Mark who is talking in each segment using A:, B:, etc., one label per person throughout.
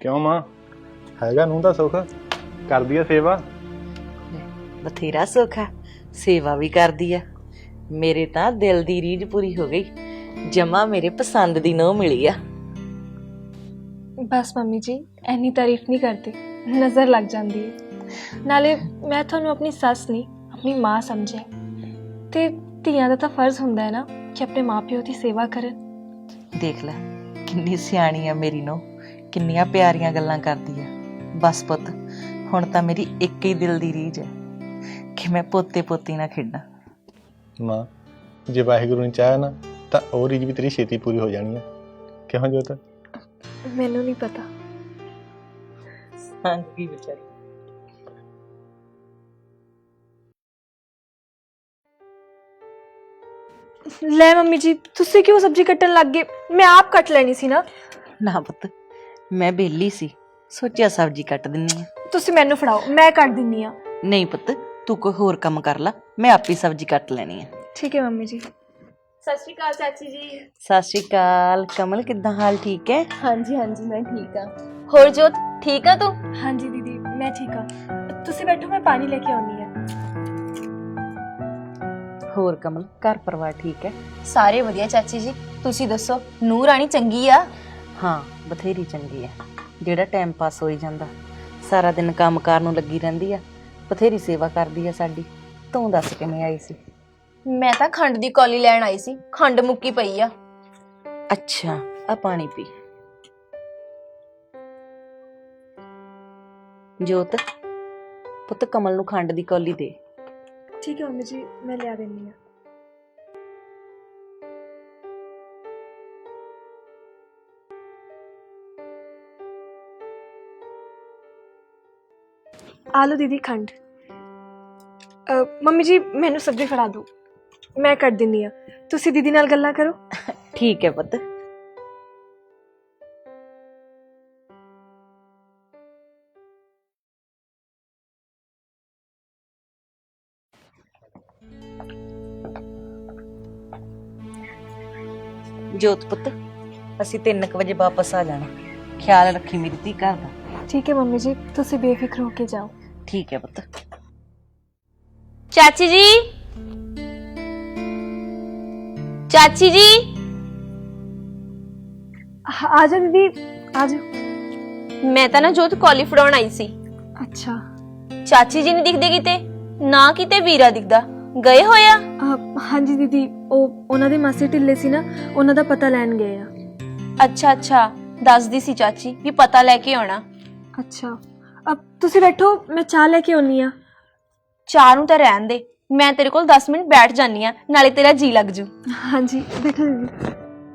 A: क्यों मां हैगा नूं दा सुख कर दिया सेवा
B: बथेरा सुख है सेवा भी कर दी है मेरे ता दिल दी रीझ पूरी हो गई जमा मेरे पसंद दी नूं मिली आ
C: बस मम्मी जी इन्नी तारीफ नहीं करती नज़र लग जाती है नाले मैं थानू अपनी सस नहीं अपनी माँ समझे ते ਧੀਆਂ ਦਾ ਤਾਂ फर्ज हुंदा है ना कि अपने माँ प्यो की सेवा करन
B: देख लै किन्नी सियाणी आ मेरी नूं किन्नियां प्यारियां गल्लां करदी आ बस पुत्त हुण तां मेरी एक ही दिल दी रीझ है कि मैं पोते पोती ना खेडां
A: मां जे वाहिगुरू ने चाहे ना तो और रीझ भी तेरी छेती पूरी हो जानी है क्यों जोत
C: मैनू नहीं पता
B: सांगी बेचारी
C: ले मम्मी जी तुसी क्यों सब्जी कट्टन लग गए मैं आप कट लेनी सी ना
B: ना पुत्त मैं बेली सी सोचा सब्जी कट दिन्नी आ
C: तुसी मैनू फड़ाओ मैं कट दिन्नी आ
B: नहीं पुत्त तू कोई होर काम कर ला मैं आप ही सब्जी कट लेनी है
C: ठीक है मम्मी जी
D: सत श्री अकाल चाची जी।
B: सत श्री अकाल कमल किद्दां हाल ठीक है
D: हाँ जी मैं ठीक हाँ। होर जोत ठीक है तू?
C: हाँ जी दीदी मैं ठीक हाँ तुसी बैठो मैं पानी लेके आनी है
B: होर कमल घर परिवार ठीक है
D: सारे वधिया चाची जी तुसी दसो नूह राणी चंगी आ?
B: हाँ बथेरी चंगी है जेड़ा टाइम पास होई जांदा सारा दिन काम कार नूं लगी रहिंदी आ बथेरी सेवा करदी आ साडी तूं दस किवें आई सी
D: मैं तां खंड दी कौली लैण आई सी खंड मुक्की पई आ
B: अच्छा आ पानी पी जोत पुत्त कमल नूं खंड दी कौली दे
C: ठीक है मम्मी जी मैं लिया देनी है आलू दीदी खंड मम्मी जी मैनू सब्जी फड़ा दो मैं कट दिनी आ तुसी दीदी नाल गल्लां करो
B: ठीक है पुत्त जोत पुत्त ਅਸੀਂ 3 ਵਜੇ ਵਾਪਸ ਆ ਜਾਣਾ ਖਿਆਲ ਰੱਖੀ ਮੇਰੀ ਧੀ ਘਰ ਦਾ
C: ठीक है मम्मी जी तुसी बेफिक्र होके जाओ
B: ठीक है पुत्त
D: चाची जी चाची जी
C: आ जाओ दीदी आ जाओ
D: मैं तां ना जोत कौली फड़ाउण आई सी
C: अच्छा
D: चाची जी नहीं दिखदे किते ना किते वीरा दिखदा गए होया
C: हाँ जी दीदी ਉਹਨਾਂ ਦੇ ਮਾਸੀ ਢਿੱਲੇ ਸੀ ਨਾ ਉਹਨਾਂ ਦਾ ਪਤਾ ਲੈਣ ਗਏ ਆ
D: अच्छा दसदी सी चाची भी पता लेके आना
C: अच्छा अब तुसी बैठो मैं चाह लेके आनी आ
D: चाह नूं तां रहण दे मैं तेरे कोल 10 मिनट बैठ जानी आ नाले तेरा जी लग जू
C: हाँ जी बैठो दीदी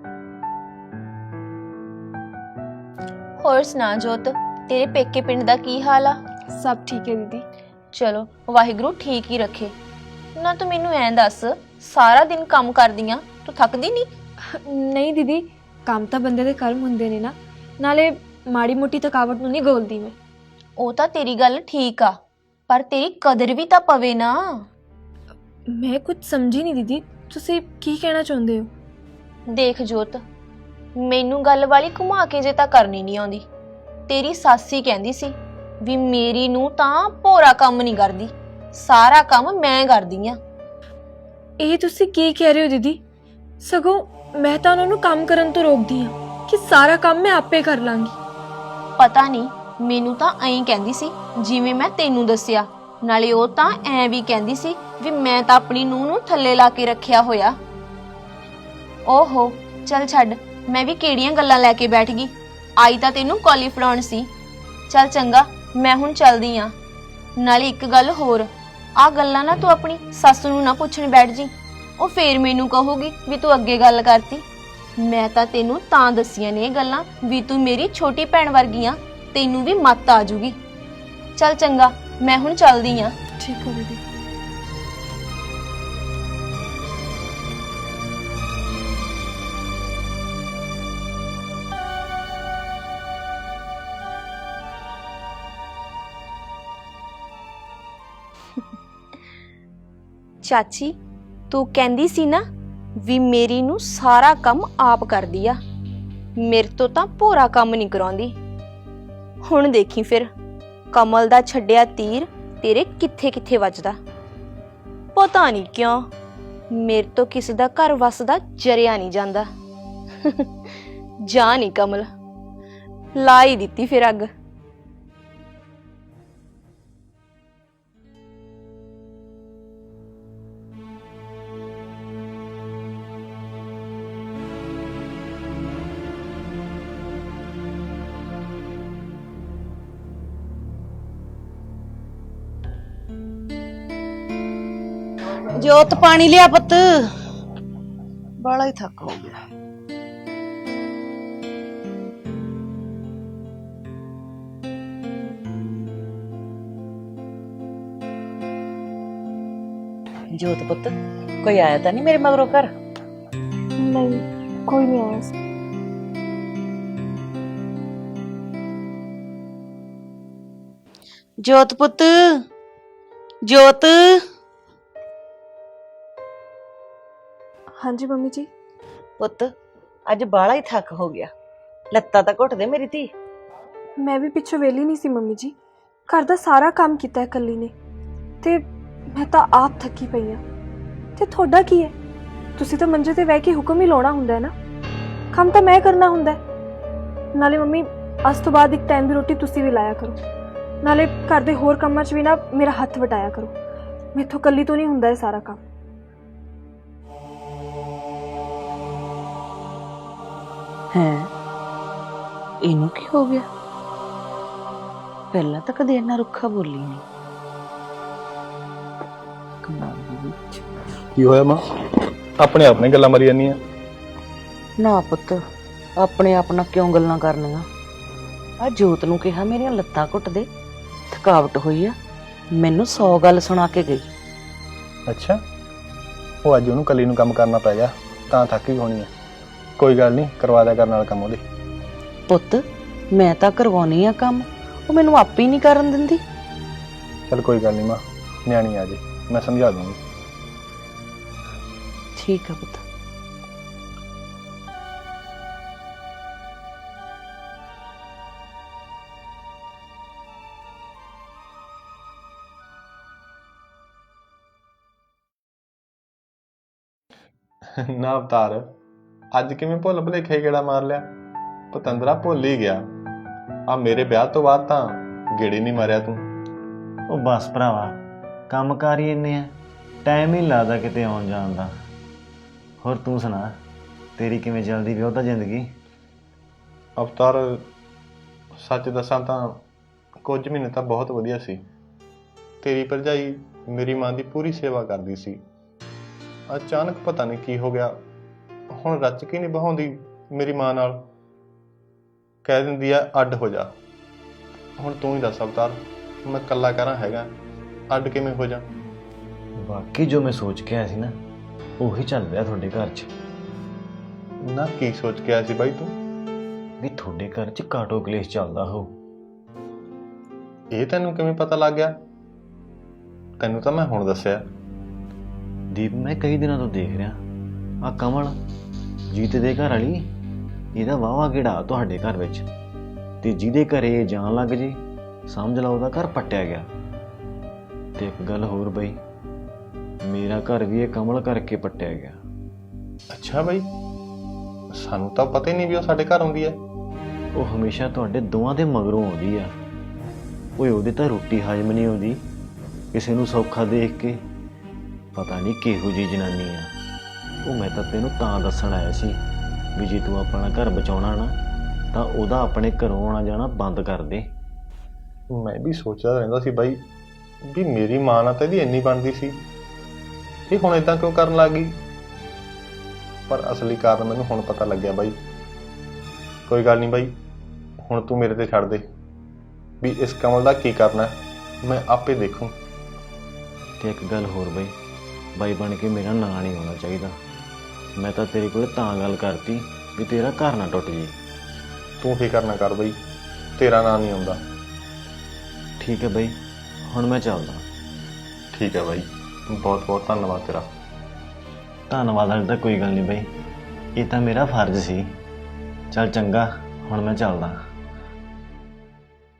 D: होर सुना जोत तेरे पेके पिंड दा की हाल आ
C: सब ठीक है दीदी
D: चलो वाहिगुरू ठीक ही रखे ना तू मैनू ऐं दस सारा दिन काम करदी आ तू थकदी नहीं
C: नहीं दीदी काम ਤਾਂ ਬੰਦੇ ਦੇ ਕਰਮ ਹੁੰਦੇ ਨੇ ਨਾ ਨਾਲੇ ਮਾੜੀ ਮੋਟੀ ਥਕਾਵਟ ਨੂੰ ਨਹੀਂ ਗੋਲਦੀ ਮੈਂ
D: ਉਹ ਤਾਂ ਤੇਰੀ ਗੱਲ ਠੀਕ ਆ ਪਰ ਤੇਰੀ ਕਦਰ ਵੀ ਤਾਂ ਪਵੇ ਨਾ
C: ਮੈਂ ਕੁਝ ਸਮਝੀ ਨਹੀਂ ਦੀਦੀ ਤੁਸੀਂ ਕੀ ਕਹਿਣਾ ਚਾਹੁੰਦੇ ਹੋ
D: ਦੇਖ ਜੋਤ ਮੈਨੂੰ ਗੱਲ ਵਾਲੀ ਘੁਮਾ ਕੇ ਜੇ ਤਾਂ ਕਰਨੀ ਨਹੀਂ ਆਉਂਦੀ ਤੇਰੀ ਸਾਸੀ ਕਹਿੰਦੀ ਸੀ ਵੀ ਮੇਰੀ ਨੂੰ ਤਾਂ ਭੋਰਾ ਕੰਮ ਨਹੀਂ ਕਰਦੀ ਸਾਰਾ ਕੰਮ ਮੈਂ ਕਰਦੀ ਆ
C: ਇਹ ਤੁਸੀਂ ਕੀ ਕਹਿ ਰਹੇ ਹੋ ਦੀਦੀ ਸਗੋਂ ਮੈਂ ਤਾਂ ਉਹਨਾਂ ਨੂੰ ਕੰਮ ਕਰਨ ਤੋਂ ਰੋਕਦੀ ਹਾਂ ਕਿ ਸਾਰਾ ਕੰਮ ਮੈਂ ਆਪੇ ਕਰ ਲਾਂਗੀ
D: ਪਤਾ ਨਹੀਂ ਮੈਨੂੰ ਤਾਂ ਐਂ ਕਹਿੰਦੀ ਸੀ ਜਿਵੇਂ ਮੈਂ ਤੈਨੂੰ ਦੱਸਿਆ ਨਾਲੇ ਉਹ ਤਾਂ ਐਂ ਵੀ ਕਹਿੰਦੀ ਸੀ ਵੀ ਮੈਂ ਤਾਂ ਆਪਣੀ ਨੂੰਹ ਨੂੰ ਥੱਲੇ ਲਾ ਕੇ ਰੱਖਿਆ ਹੋਇਆ ਓਹੋ ਚੱਲ ਛੱਡ ਮੈਂ ਵੀ ਕਿਹੜੀਆਂ ਗੱਲਾਂ ਲੈ ਕੇ ਬੈਠ ਗਈ ਆਈ ਤਾਂ ਤੈਨੂੰ ਕੌਲੀ ਫੜਾਉਣ ਸੀ ਚੱਲ ਚੰਗਾ ਮੈਂ ਹੁਣ ਚੱਲਦੀ ਆ ਨਾਲੇ ਇੱਕ ਗੱਲ ਹੋਰ ਆ ਗੱਲਾਂ ਨਾ ਤੂੰ ਆਪਣੀ ਸੱਸ ਨੂੰ ਨਾ ਪੁੱਛਣ ਬੈਠ ਜੀ ਉਹ ਫੇਰ ਮੈਨੂੰ ਕਹੂਗੀ ਵੀ ਤੂੰ ਅੱਗੇ ਗੱਲ ਕਰਤੀ ਮੈਂ ਤਾਂ ਤੈਨੂੰ ਤਾਂ ਦੱਸੀਆਂ ਨੇ ਇਹ ਗੱਲਾਂ ਵੀ ਤੂੰ ਮੇਰੀ ਛੋਟੀ ਭੈਣ ਵਰਗੀ ਆ ਤੈਨੂੰ ਵੀ ਮੱਤ ਆ ਜੂਗੀ ਚੱਲ ਚੰਗਾ ਮੈਂ ਹੁਣ ਚੱਲਦੀ ਆ
C: ਠੀਕ ਹੋ ਦੀਦੀ
D: ਚਾਚੀ ਤੂੰ ਕਹਿੰਦੀ ਸੀ ਨਾ ਵੀ ਮੇਰੀ ਨੂੰ ਸਾਰਾ ਕੰਮ ਆਪ ਕਰਦੀ ਆ ਮੇਰੇ ਤੋਂ ਤਾਂ ਭੋਰਾ ਕੰਮ ਨਹੀਂ ਕਰਾਉਂਦੀ ਹੁਣ ਦੇਖੀ ਫਿਰ ਕਮਲ ਦਾ ਛੱਡਿਆ ਤੀਰ ਤੇਰੇ ਕਿੱਥੇ ਕਿੱਥੇ ਵੱਜਦਾ। ਪਤਾ ਨਹੀਂ ਕਿਉਂ ਮੇਰੇ ਤੋਂ ਕਿਸੇ ਦਾ ਘਰ ਵਸਦਾ ਜਰਿਆ ਨਹੀਂ ਜਾਂਦਾ। ਜਾ ਨਹੀਂ ਕਮਲ, ਲਾ ਹੀ ਦਿੱਤੀ ਫਿਰ ਅੱਗ।
B: ਜੋਤ ਪਾਣੀ ਲਿਆ ਪੁੱਤ, ਬਾਲਾ ਹੀ ਥੱਕ ਹੋ ਗਿਆ। ਜੋਤ ਪੁੱਤ, ਕੋਈ ਆਇਆ ਤਾਂ ਨਹੀਂ ਮੇਰੇ ਮਗਰੋਂ ਘਰ?
C: ਨਹੀਂ, ਕੋਈ ਨਹੀਂ ਆਇਆ ਸੀ।
B: ਜੋਤ ਪੁੱਤ, ਜੋਤ।
C: ਹਾਂਜੀ ਮੰਮੀ ਜੀ।
B: ਪੁੱਤ ਅੱਜ ਬਾਲਾ ਹੀ ਥੱਕ ਹੋ ਗਿਆ, ਲੱਤਾਂ ਤਾਂ ਘੁੱਟ ਦੇ ਮੇਰੀ ਧੀ।
C: ਮੈਂ ਵੀ ਪਿੱਛੋਂ ਵੇਲੀ ਨਹੀਂ ਸੀ ਮੰਮੀ ਜੀ, ਘਰ ਦਾ ਸਾਰਾ ਕੰਮ ਕੀਤਾ ਇਕੱਲੀ ਨੇ, ਤੇ ਮੈਂ ਤਾਂ ਆਪ ਥੱਕੀ ਪਈ ਹਾਂ। ਤੇ ਤੁਹਾਡਾ ਕੀ ਹੈ? ਤੁਸੀਂ ਤਾਂ ਮੰਜੇ ਤੇ ਬਹਿ ਕੇ ਹੁਕਮ ਹੀ ਲਾਉਣਾ ਹੁੰਦਾ ਹੈ ਨਾ, ਕੰਮ ਤਾਂ ਮੈਂ ਕਰਨਾ ਹੁੰਦਾ ਹੈ। ਨਾਲੇ ਮੰਮੀ ਅੱਜ ਤੋਂ ਬਾਅਦ ਇੱਕ ਟਾਈਮ ਦੀ ਰੋਟੀ ਤੁਸੀਂ ਵੀ ਲਾਇਆ ਕਰੋ, ਨਾਲੇ ਘਰ ਦੇ ਹੋਰ ਕੰਮਾਂ 'ਚ ਵੀ ਨਾ ਮੇਰਾ ਹੱਥ ਵਟਾਇਆ ਕਰੋ। ਮੈਥੋਂ ਇਕੱਲੀ ਤੋਂ ਨਹੀਂ ਹੁੰਦਾ ਇਹ ਸਾਰਾ ਕੰਮ।
B: ਹੈ, ਇਹਨੂੰ ਕੀ ਹੋ ਗਿਆ? ਪਹਿਲਾਂ ਤਾਂ ਕਦੇ ਇੰਨਾ ਰੁੱਖਾ ਬੋਲੀ ਨਹੀਂ। ਕਮਾਲ ਦੀ।
A: ਕੀ ਹੋਇਆ ਮਾਂ? ਆਪਣੇ ਆਪ ਨੇ ਗੱਲਾਂ ਮਾਰੀ ਜਾਂਦੀਆਂ।
B: ਨਾ ਪੁੱਤ, ਆਪਣੇ ਆਪ ਨਾਲ ਕਿਉਂ ਗੱਲਾਂ ਕਰਨੀਆਂ? ਆ ਜੋਤ ਨੂੰ ਕਿਹਾ ਮੇਰੀਆਂ ਲੱਤਾਂ ਘੁੱਟ ਦੇ, ਥਕਾਵਟ ਹੋਈ ਆ। ਮੈਨੂੰ 100 ਗੱਲ ਸੁਣਾ ਕੇ ਗਈ।
A: ਅੱਛਾ, ਉਹ ਅੱਜ ਉਹਨੂੰ ਕੱਲੀ ਨੂੰ ਕੰਮ ਕਰਨਾ ਪੈ ਗਿਆ ਤਾਂ ਥੱਕ ਹੀ ਹੋਣੀ ਹੈ। ਕੋਈ ਗੱਲ ਨਹੀਂ, ਕਰਵਾ ਦਿਆ ਕਰਨ ਵਾਲਾ ਕੰਮ ਉਹਦੇ।
B: ਪੁੱਤ ਮੈਂ ਤਾਂ ਕਰਵਾਉਣੀ ਆ ਕੰਮ, ਉਹ ਮੈਨੂੰ ਆਪੇ ਹੀ ਨਹੀਂ ਕਰਨ ਦਿੰਦੀ।
A: ਚਲ ਕੋਈ ਗੱਲ ਨਹੀਂ ਮਾਂ, ਨਿਆਣੀ ਆ ਜੇ, ਮੈਂ ਸਮਝਾ ਦੂੰਗੀ।
B: ਠੀਕ ਆ ਪੁੱਤ।
A: ਨਾ ਅਵਤਾਰ, ਅੱਜ ਕਿਵੇਂ ਭੁੱਲ ਭੁਲੇਖੇ ਗੇੜਾ ਮਾਰ ਲਿਆ? ਪਤੰਦਰਾ ਭੁੱਲ ਹੀ ਗਿਆ। ਆ ਮੇਰੇ ਵਿਆਹ ਤੋਂ ਬਾਅਦ ਤਾਂ ਗੇੜੀ ਨਹੀਂ ਮਾਰਿਆ ਤੂੰ।
E: ਉਹ ਬਸ ਭਰਾਵਾ, ਕੰਮ ਕਾਰ ਹੀ ਇੰਨੇ ਆ, ਟਾਈਮ ਹੀ ਨੀ ਲੱਗਦਾ ਕਿਤੇ ਆਉਣ ਜਾਣ ਦਾ। ਹੋਰ ਤੂੰ ਸੁਣਾ, ਤੇਰੀ ਕਿਵੇਂ ਚੱਲਦੀ ਵਿਆਹ ਤਾਂ ਜ਼ਿੰਦਗੀ?
A: ਅਵਤਾਰ ਸੱਚ ਦੱਸਾਂ ਤਾਂ ਕੁਝ ਮਹੀਨੇ ਤਾਂ ਬਹੁਤ ਵਧੀਆ ਸੀ। ਤੇਰੀ ਭਰਜਾਈ ਮੇਰੀ ਮਾਂ ਦੀ ਪੂਰੀ ਸੇਵਾ ਕਰਦੀ ਸੀ। ਅਚਾਨਕ ਪਤਾ ਨਹੀਂ ਕੀ ਹੋ ਗਿਆ, ਹੁਣ ਰੱਜ ਕੇ ਨਹੀਂ ਬਹਾਉਂਦੀ ਮੇਰੀ ਮਾਂ ਨਾਲ, ਕਹਿ ਦਿੰਦੀ ਆ ਅੱਡ ਹੋ ਜਾ। ਹੁਣ ਤੂੰ ਹੀ ਦੱਸ ਅਵਤਾਰ, ਮੈਂ ਇਕੱਲਾ ਕਰਾਂ ਹੈਗਾ, ਅੱਡ ਕਿਵੇਂ ਹੋ ਜਾ?
E: ਬਾਕੀ ਜੋ ਮੈਂ ਸੋਚ ਕੇ ਆਇਆ ਸੀ ਨਾ, ਉਹੀ ਚੱਲ ਰਿਹਾ ਤੁਹਾਡੇ ਘਰ 'ਚ।
A: ਨਾ ਕੀ ਸੋਚ ਕੇ ਆਇਆ ਸੀ ਬਾਈ ਤੂੰ?
E: ਵੀ ਤੁਹਾਡੇ ਘਰ 'ਚ ਕਾਟੋ ਕਲੇਸ਼ ਚੱਲਦਾ ਹੋ।
A: ਇਹ ਤੈਨੂੰ ਕਿਵੇਂ ਪਤਾ ਲੱਗ ਗਿਆ? ਤੈਨੂੰ ਤਾਂ ਮੈਂ ਹੁਣ ਦੱਸਿਆ।
E: ਦੀਪ, ਮੈਂ ਕਈ ਦਿਨਾਂ ਤੋਂ ਦੇਖ ਰਿਹਾ ਆ ਕਮਲ ਜੀਤ ਦੇ ਘਰ ਵਾਲੀ, ਇਹਦਾ ਵਾਹਵਾ ਗੇੜਾ ਤੁਹਾਡੇ ਘਰ ਵਿੱਚ, ਤੇ ਜਿਹਦੇ ਘਰੇ ਜਾਣ ਲੱਗ ਜੇ ਸਮਝ ਲਓ ਉਹਦਾ ਘਰ ਪੱਟਿਆ ਗਿਆ। ਤੇ ਇੱਕ ਗੱਲ ਹੋਰ ਬਈ, ਮੇਰਾ ਘਰ ਵੀ ਇਹ ਕਮਲ ਕਰਕੇ ਪੱਟਿਆ ਗਿਆ।
A: ਅੱਛਾ ਬਾਈ, ਸਾਨੂੰ ਤਾਂ ਪਤਾ ਹੀ ਨਹੀਂ ਵੀ ਉਹ ਸਾਡੇ ਘਰ ਆਉਂਦੀ ਹੈ।
E: ਉਹ ਹਮੇਸ਼ਾ ਤੁਹਾਡੇ ਦੋਵਾਂ ਦੇ ਮਗਰੋਂ ਆਉਂਦੀ ਆ। ਓਏ ਉਹਦੇ ਤਾਂ ਰੋਟੀ ਹਜਮ ਨਹੀਂ ਆਉਂਦੀ ਕਿਸੇ ਨੂੰ ਸੌਖਾ ਦੇਖ ਕੇ। ਪਤਾ ਨਹੀਂ ਕਿਹੋ ਜਿਹੀ ਜਨਾਨੀ ਆ ਉਹ। ਮੈਂ ਤਾਂ ਤੈਨੂੰ ਤਾਂ ਦੱਸਣ ਆਇਆ ਸੀ ਵੀ ਜੇ ਤੂੰ ਆਪਣਾ ਘਰ ਬਚਾਉਣਾ ਨਾ, ਤਾਂ ਉਹਦਾ ਆਪਣੇ ਘਰੋਂ ਆਉਣਾ ਜਾਣਾ ਬੰਦ ਕਰ ਦੇ।
A: ਮੈਂ ਵੀ ਸੋਚਦਾ ਰਹਿੰਦਾ ਸੀ ਬਾਈ ਵੀ ਮੇਰੀ ਮਾਂ ਨਾਲ ਤਾਂ ਇਹਦੀ ਇੰਨੀ ਬਣਦੀ ਸੀ, ਇਹ ਹੁਣ ਇਦਾਂ ਕਿਉਂ ਕਰਨ ਲੱਗ ਗਈ? ਪਰ ਅਸਲੀ ਕਾਰਨ ਮੈਨੂੰ ਹੁਣ ਪਤਾ ਲੱਗਿਆ ਬਾਈ। ਕੋਈ ਗੱਲ ਨਹੀਂ ਬਾਈ, ਹੁਣ ਤੂੰ ਮੇਰੇ ਤੇ ਛੱਡ ਦੇ ਵੀ ਇਸ ਕਮਲ ਦਾ ਕੀ ਕਰਨਾ, ਮੈਂ ਆਪੇ ਦੇਖੂੰ।
E: ਤੇ ਇੱਕ ਗੱਲ ਹੋਰ ਬਈ, ਬਾਈ ਬਣ ਕੇ ਮੇਰਾ ਨਾਂ ਨਹੀਂ ਹੋਣਾ ਚਾਹੀਦਾ। ਮੈਂ ਤਾਂ ਤੇਰੇ ਕੋਲ ਤਾਂ ਗੱਲ ਕਰਤੀ ਵੀ ਤੇਰਾ ਘਰ ਨਾ ਟੁੱਟ ਜੇ।
A: ਤੂੰ ਫਿਕਰ ਨਾ ਕਰ ਬਾਈ, ਤੇਰਾ ਨਾਂ ਨਹੀਂ ਆਉਂਦਾ।
E: ਠੀਕ ਹੈ ਬਈ, ਹੁਣ ਮੈਂ ਚੱਲਦਾ।
A: ਠੀਕ ਹੈ ਬਾਈ, ਬਹੁਤ ਬਹੁਤ ਧੰਨਵਾਦ ਤੇਰਾ।
E: ਧੰਨਵਾਦ ਵਾਲੀ ਤਾਂ ਕੋਈ ਗੱਲ ਨਹੀਂ ਬਈ, ਇਹ ਤਾਂ ਮੇਰਾ ਫਰਜ਼ ਸੀ। ਚੱਲ ਚੰਗਾ, ਹੁਣ ਮੈਂ ਚੱਲਦਾ।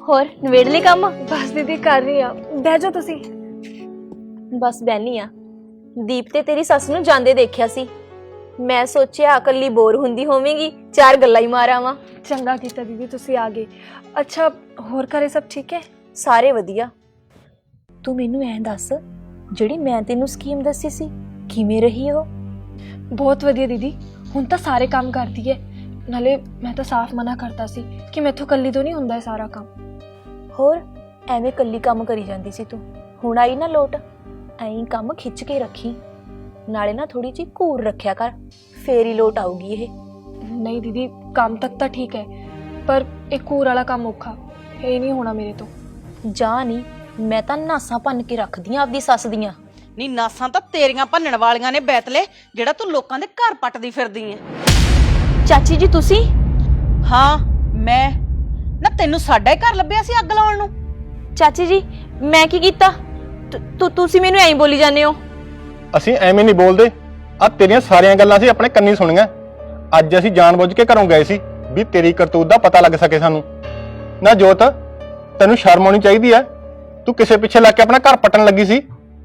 D: ਹੋਰ ਨਵੇੜ ਲਈ ਕੰਮ?
C: ਬਸ ਦੀਦੀ ਕਰ ਰਹੀ ਆ, ਬਹਿ ਜਾਓ ਤੁਸੀਂ।
D: ਬਸ ਬੈਣੀ ਆ। ਦੀਪ ਤੇ ਤੇਰੀ ਸੱਸ ਨੂੰ ਜਾਂਦੇ ਦੇਖਿਆ ਸੀ, ਮੈਂ ਸੋਚਿਆ ਇਕੱਲੀ ਬੋਰ ਹੁੰਦੀ ਹੋਵੇਂਗੀ, ਚਾਰ ਗੱਲਾਂ ਹੀ ਮਾਰਾਵਾਂ।
C: ਚੰਗਾ ਕੀਤਾ ਦੀਦੀ ਤੁਸੀਂ ਆ ਗਏ। ਅੱਛਾ ਹੋਰ ਘਰੇ ਸਭ ਠੀਕ ਹੈ?
D: ਸਾਰੇ ਵਧੀਆ। ਤੂੰ ਮੈਨੂੰ ਐਂ ਦੱਸ, ਜਿਹੜੀ ਮੈਂ ਤੈਨੂੰ ਸਕੀਮ ਦੱਸੀ ਸੀ ਕਿਵੇਂ ਰਹੀ ਉਹ?
C: ਬਹੁਤ ਵਧੀਆ ਦੀਦੀ, ਹੁਣ ਤਾਂ ਸਾਰੇ ਕੰਮ ਕਰਦੀ ਹੈ। ਨਾਲੇ ਮੈਂ ਤਾਂ ਸਾਫ਼ ਮਨਾ ਕਰਤਾ ਸੀ ਕਿ ਮੈਥੋਂ ਇਕੱਲੀ ਤੋਂ ਨਹੀਂ ਹੁੰਦਾ ਇਹ ਸਾਰਾ ਕੰਮ।
D: ਹੋਰ ਐਵੇਂ ਇਕੱਲੀ ਕੰਮ ਕਰੀ ਜਾਂਦੀ ਸੀ ਤੂੰ, ਹੁਣ ਆਈ ਨਾ ਲੋਟ, ਐਂ ਕੰਮ ਖਿੱਚ ਕੇ ਰੱਖੀ, ਨਾਲੇ ਨਾ ਥੋੜੀ ਜਿਹੀ ਘੂਰ ਰੱਖਿਆ ਕਰ, ਫੇਰ ਹੀ ਲੋਟ ਆਊਗੀ ਇਹ।
C: ਨਹੀਂ ਦੀਦੀ ਕੰਮ ਤੱਕ ਤਾਂ ਠੀਕ ਹੈ, ਪਰ ਇਹ ਕੂਰ ਵਾਲਾ ਕੰਮ ਔਖਾ, ਇਹ ਨਹੀਂ ਹੋਣਾ ਮੇਰੇ ਤੋਂ।
D: ਜਾ ਨਹੀਂ, ਮੈਂ ਤਾਂ ਨਾਸਾਂ ਭੰਨ ਕੇ ਰੱਖਦੀ ਆਂ ਆਪਦੀ ਸੱਸ ਦੀਆਂ।
B: ਨੀ ਨਾਸਾਂ ਤਾਂ ਤੇਰੀਆਂ ਭੰਨਣ ਵਾਲੀਆਂ ਨੇ ਬੈਤਲੇ, ਜਿਹੜਾ ਤੂੰ ਲੋਕਾਂ ਦੇ ਘਰ ਪੱਟਦੀ ਫਿਰਦੀ ਐ।
D: ਚਾਚੀ ਜੀ ਤੁਸੀਂ?
B: ਹਾਂ ਮੈਂ ਨਾ, ਤੈਨੂੰ ਸਾਡਾ ਹੀ ਘਰ ਲੱਭਿਆ ਸੀ ਅੱਗ ਲਾਉਣ ਨੂੰ।
D: ਚਾਚੀ ਜੀ ਮੈਂ ਕੀ ਕੀਤਾ? ਤੁਸੀਂ ਮੈਨੂੰ ਐਂ ਬੋਲੀ ਜਾਂਦੇ ਹੋ?
A: ਅਸੀਂ ਐਵੇਂ ਨਹੀਂ ਬੋਲਦੇ, ਆ ਤੇਰੀਆਂ ਸਾਰੀਆਂ ਗੱਲਾਂ ਅਸੀਂ ਆਪਣੇ ਕੰਨੀ ਸੁਣੀਆਂ। ਅੱਜ ਅਸੀਂ ਜਾਣਬੁੱਝ ਕੇ ਘਰੋਂ ਗਏ ਸੀ ਵੀ ਤੇਰੀ ਕਰਤੂਤ ਦਾ ਪਤਾ ਲੱਗ ਸਕੇ ਸਾਨੂੰ। ਨਾ ਜੋਤ, ਤੈਨੂੰ ਸ਼ਰਮ ਆਉਣੀ ਚਾਹੀਦੀ ਐ, ਤੂੰ ਕਿਸੇ ਪਿੱਛੇ ਲੱਗ ਕੇ ਆਪਣਾ ਘਰ ਪੱਟਣ ਲੱਗੀ ਸੀ।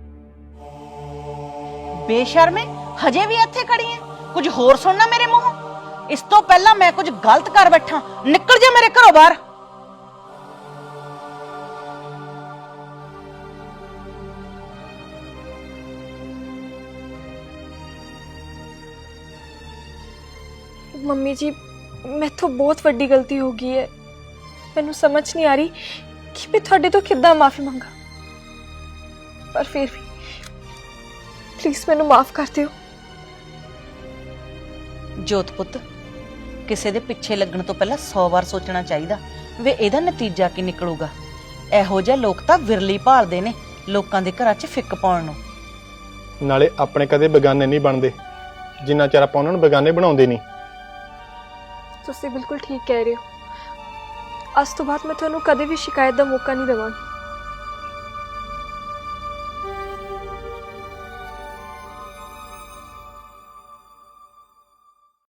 B: ਬੇਸ਼ਰਮੇ, ਹਜੇ ਵੀ ਇੱਥੇ ਖੜੀ ਐ? ਕੁਝ ਹੋਰ ਸੁਣਨਾ ਮੇਰੇ ਮੂੰਹੋਂ? ਇਸ ਤੋਂ ਪਹਿਲਾਂ ਮੈਂ ਕੁਝ ਗਲਤ ਕਰ ਬੈਠਾ, ਨਿਕਲ ਜਾ ਮੇਰੇ ਘਰੋਂ ਬਾਹਰ।
C: ਮੰਮੀ ਜੀ ਮੈਥੋਂ ਬਹੁਤ ਵੱਡੀ ਗਲਤੀ ਹੋ ਗਈ ਹੈ, ਮੈਨੂੰ ਸਮਝ ਨਹੀਂ ਆ ਰਹੀ ਕਿ ਮੈਂ ਤੁਹਾਡੇ ਤੋਂ ਕਿੱਦਾਂ ਮਾਫੀ ਮੰਗਾ, ਪਰ ਫਿਰ ਵੀ ਪਲੀਜ਼ ਮੈਨੂੰ ਮਾਫ ਕਰ ਦਿਓ।
B: ਜੋਤ ਪੁੱਤ, ਕਿਸੇ ਦੇ ਪਿੱਛੇ ਲੱਗਣ ਤੋਂ ਪਹਿਲਾਂ 100 ਵਾਰ ਸੋਚਣਾ ਚਾਹੀਦਾ ਵੀ ਇਹਦਾ ਨਤੀਜਾ ਕੀ ਨਿਕਲੂਗਾ। ਇਹੋ ਜਿਹੇ ਲੋਕ ਤਾਂ ਵਿਰਲੀ ਭਾਲਦੇ ਨੇ ਲੋਕਾਂ ਦੇ ਘਰਾਂ 'ਚ ਫਿੱਕ ਪਾਉਣ ਨੂੰ।
A: ਨਾਲੇ ਆਪਣੇ ਕਦੇ ਬੇਗਾਨੇ ਨਹੀਂ ਬਣਦੇ ਜਿੰਨਾ ਚਿਰ ਆਪਾਂ ਉਹਨਾਂ ਨੂੰ ਬੇਗਾਨੇ ਬਣਾਉਂਦੇ ਨਹੀਂ।
C: ਤੁਸੀਂ ਬਿਲਕੁਲ ਠੀਕ ਕਹਿ ਰਹੇ ਹੋ, ਅੱਜ ਤੋਂ ਬਾਅਦ ਮੈਂ ਤੁਹਾਨੂੰ ਕਦੇ ਵੀ ਸ਼ਿਕਾਇਤ ਦਾ ਮੌਕਾ ਨਹੀਂ ਦੇਵਾਂਗੀ।